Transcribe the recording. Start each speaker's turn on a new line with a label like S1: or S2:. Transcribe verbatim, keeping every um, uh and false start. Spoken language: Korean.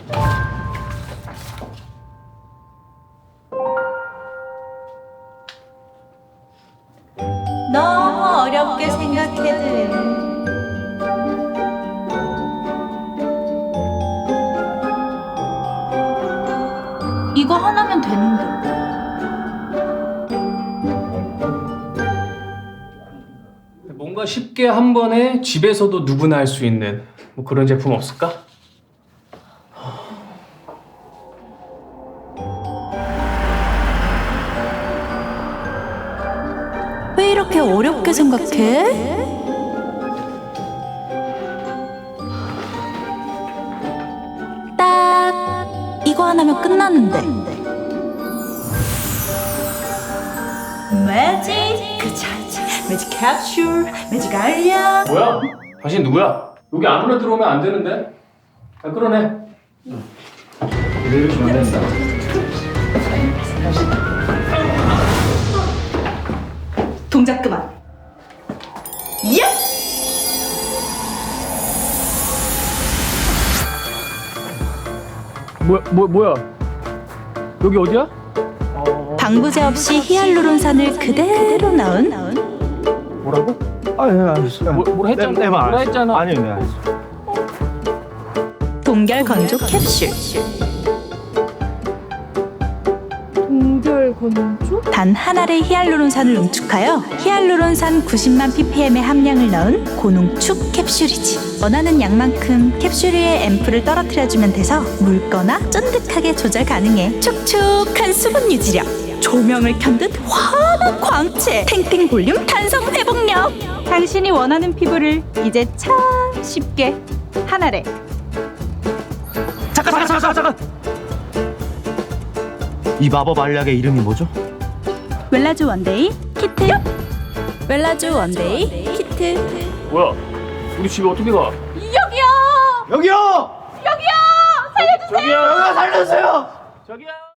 S1: 너무 어렵게 생각해도 이거 하나면 되는데.
S2: 뭔가 쉽게 한 번에 집에서도 누구나 할 수 있는 뭐 그런 제품 없을까?
S1: 왜 이렇게 어렵게 생각해? 딱 이거 하나면 끝나는데. 매직 그차지 매직 캡슐 매직 알약.
S2: 뭐야? 당신 누구야? 여기 아무나 들어오면 안 되는데? 아, 끌어내. 왜 이렇게 안 된다?
S1: 동작 그만. 예!
S2: 뭐야, 뭐, 뭐야? 여기 어디야?
S1: 방부제 없이 히알루론산을 그대로 넣은
S2: 뭐라고?
S3: 아, 예, 알겠어요.
S2: 뭐, 뭐라 했잖아.
S3: 네, 네,
S2: 뭐라
S3: 알았어요.
S2: 했잖아.
S3: 아니요, 네, 알겠어요.
S1: 동결 건조 캡슐.
S4: 동결 건조?
S1: 단 한 알의 히알루론산을 농축하여 히알루론산 구십만 ppm의 함량을 넣은 고농축 캡슐이지. 원하는 양만큼 캡슐 위에 앰플을 떨어뜨려주면 돼서 묽거나 쫀득하게 조절 가능해. 촉촉한 수분 유지력, 조명을 켠 듯 환한 광채, 탱탱 볼륨 탄성 회복력. 당신이 원하는 피부를 이제 참 쉽게 한 알에.
S3: 잠깐, 잠깐, 잠깐, 잠깐! 이 마법 알약의 이름이 뭐죠?
S1: 웰라주 원데이 키트. 웰라주 원데이 키트.
S2: 뭐야? 우리 집에 어떻게 가?
S1: 여기요.
S3: 여기요!
S1: 여기요. 살려주세요.
S2: 저기요!
S3: 여기요, 살려주세요!
S2: 저기요!